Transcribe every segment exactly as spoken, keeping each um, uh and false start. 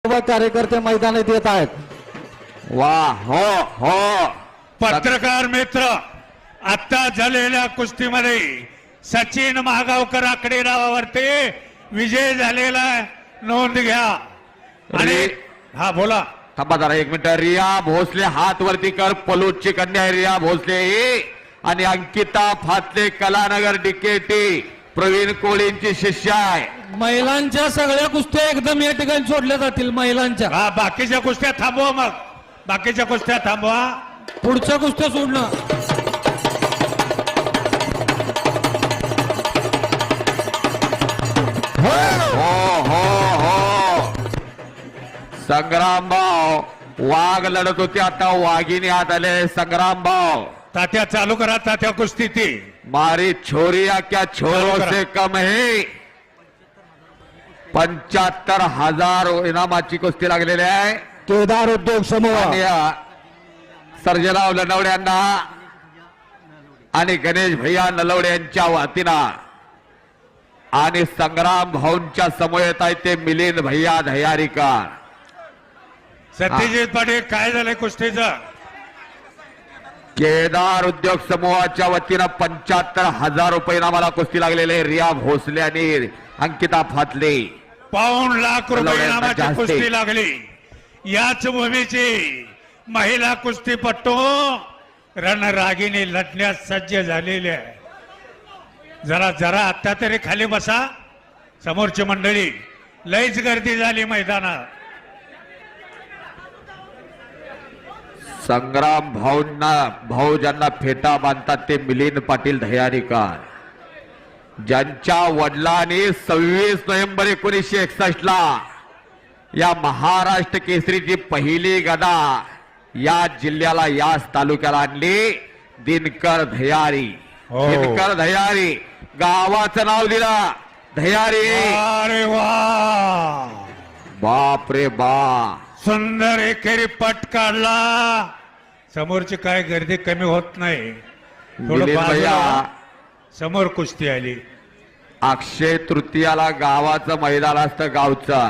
सर्व कार्यकर्ते मैदानात येत आहेत. वा हो हो पत्रकार मित्र, आता झालेल्या कुस्तीमध्ये सचिन महागावकर आकडे नावावरती विजय झालेला नोंद घ्या. आणि हा बोला. थांबा जरा एक मिनिट. रिया भोसले हात वरती कर. पलूसची कन्या आहे रिया भोसले आणि अंकिता फातले कलानगर डीकेटी प्रवीण कोळींची शिष्य आहे. महिलांच्या सगळ्या कुस्त्या एकदम या ठिकाणी सोडल्या जातील. महिलांच्या हा बाकीच्या कुस्त्या थांबवा. मग बाकीच्या कुस्त्या थांबवा. पुढच्या कुस्त्या सोडणं. हो हो हो संग्रामभाऊ वाघ लढत होते. आता वाघिणी हात आले. संग्रामभाऊ तात्या चालू करा. तात्या कुस्ती ती मारी छोरिया क्या छोरों से कम है. पंच्याहत्तर हजार इनामाची कुस्ती लागलेली आहे. केदार उद्योग समूह आणि सर्जराव लनवडे यांना आणि गणेश भैया नलवडे यांच्या वतीनं आणि संग्राम भाऊंच्या समवेत आहे ते मिलिंद भैया दह्यारीकर. सत्यजित पाटील काय झालंय कुस्तीचं? केदार उद्योग समूहाच्या वतीनं पंच्याहत्तर हजार रुपये इनामाला कुस्ती लागलेले रिया भोसले आणि अंकिता फातले. पाऊण लाख रुपये लवड्यांना इनामाची जास्ती. कुस्ती लागली. याच भूमीची महिला कुस्तीपट्टू रणरागिणी लढण्यास सज्ज झालेली आहे. जरा जरा आता तरी खाली बसा. समोरची मंडळी लईच गर्दी झाली मैदानात. संग्राम भाऊंना भाऊ ज्यांना फेटा बांधतात ते मिलिंद पाटील दह्यारीकर, ज्यांच्या वडिलांनी सव्वीस नोव्हेंबर एकोणीसशे एकसष्ट ला या महाराष्ट्र केसरीची पहिली गदा या जिल्ह्याला याच तालुक्याला आणली. दिनकर दह्यारी. हो. दिनकर दह्यारी गावाचं नाव दिलं दह्यारी. अरे वा, बाप रे बा. सुंदर एकेरी पट काढला. समोरची काय गर्दी कमी होत नाही. थोडं मिलिंद भैया बाजूला समोर कुस्ती आली. अक्षय तृतीयाला गावाचं मैदान असतं. गावचं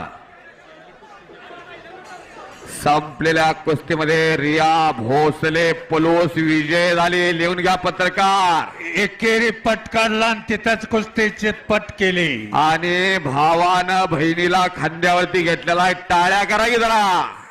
संपलेल्या कुस्तीमध्ये रिया भोसले पलोस विजय झाले. लिहून घ्या पत्रकार. एकेरी पट काढला आणि तिथंच कुस्तीचे पट केले. आणि भावानं बहिणीला खांद्यावरती घेतलेला आहे. टाळ्या करा की जरा.